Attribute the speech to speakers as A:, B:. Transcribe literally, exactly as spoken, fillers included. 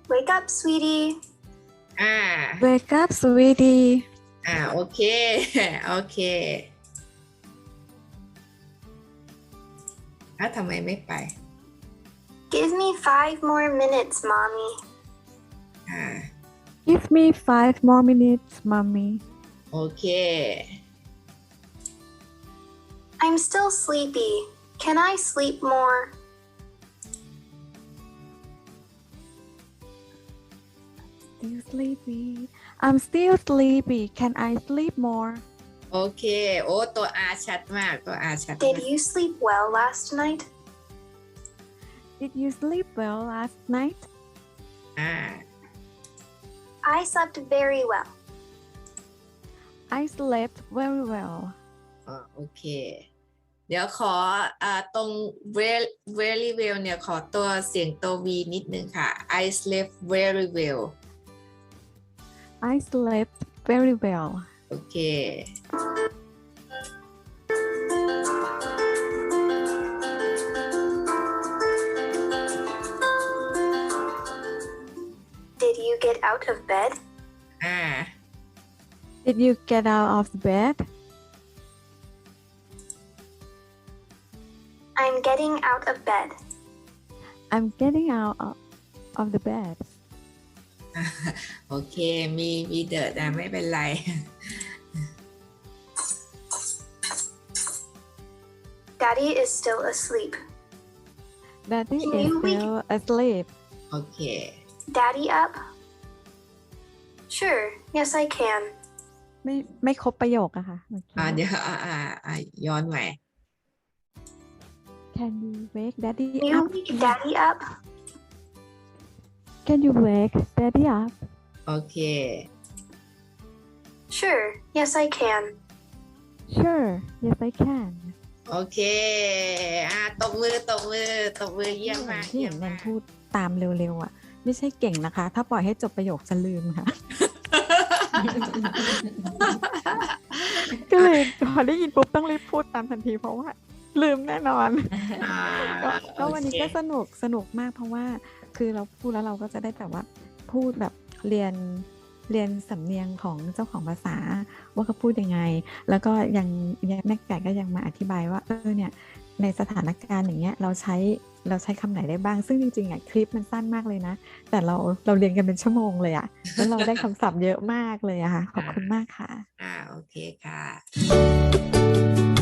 A: Wake up, sweetie.
B: อ่า
C: Wake up, sweetie.
B: อ่าโอเค โอเคแล้วทำไมไม่ไป
A: Give me five more minutes, mommy.
B: อ่า
C: Give me five more minutes, mommy.
B: โอเค
A: I'm still sleepy. Can I sleep more?
C: Still sleepy. I'm still sleepy. Can I sleep more?
B: โอเค โอ้ตัว R ชัดมาก ตัว R ชัด
A: Did
B: มาก
A: you sleep well last night?
C: Did you sleep well last night?
B: อ่า
A: I slept very well.
C: I slept very well.
B: อ่าโอเค เดี๋ยวขออ่าตรง very very well เนี่ยขอตัวเสียงตัว V นิดนึงค่ะ I slept very well
C: I slept very well.
B: โอเค
A: Did you get out of bed?
B: อ่า
C: Did you get out of bed?
A: I'm getting out of bed.
C: I'm getting out of, of the bed.
B: โอเค มีมีเดอะนะไม่เป็นไร
A: Daddy is still asleep.
C: Daddy
A: Can
C: is
A: you wake-
C: still asleep.
B: โอเค
A: Daddy up? Sure, yes, I can.
C: ไม่ไม่ครบประโยคอะค่ะเมื่อกี้
B: อ่าเดี๋ยวอ่าอ่าอ่าย้อนใหม่
C: Can you wake Daddy
A: Can you
C: up?
A: wake Daddy up?
C: Can you wake Daddy up?
B: โอเค
A: Sure, yes, I can.
C: Sure. Yes, I can.
B: โอเค อ่าตบมือตบมือตบมือเยี่ยมมาก
C: ที่
B: เยี่
C: เห็
B: ย
C: น
B: ม
C: แน
B: มาน ก
C: พูดตามเร็วๆอ่ะ ไม่ใช่เก่งนะคะ ถ้าปล่อยให้จบประโยคจะลืมค่ะ ก็เลยพอได้ยินปุ๊บต้องรีบพูดตามทันทีเพราะว่า ลืมแน่นอน
B: อ่า
C: ก็ก็วันนี้
B: โอเค
C: ก็สนุกสนุกมากเพราะว่าคือเราพูดแล้วเราก็จะได้แบบว่าพูดแบบเรียนเรียนสำเนียงของเจ้าของภาษาว่าเขาพูดยังไง แล้วก็ยังยังแม่ไก่ก็ยังมาอธิบายว่าเออเนี่ยในสถานการณ์อย่างเงี้ยเราใช้เราใช้คำไหนได้บ้างซึ่งจริงๆอ่ะคลิปมันสั้นมากเลยนะ แต่เราเราเรียนกันเป็นชั่วโมงเลยอ่ะแล้วเราได้คำศัพท์เยอะมากเลยอะค่ะขอบคุณมากค่ะ
B: อ่าโอเคค่ะ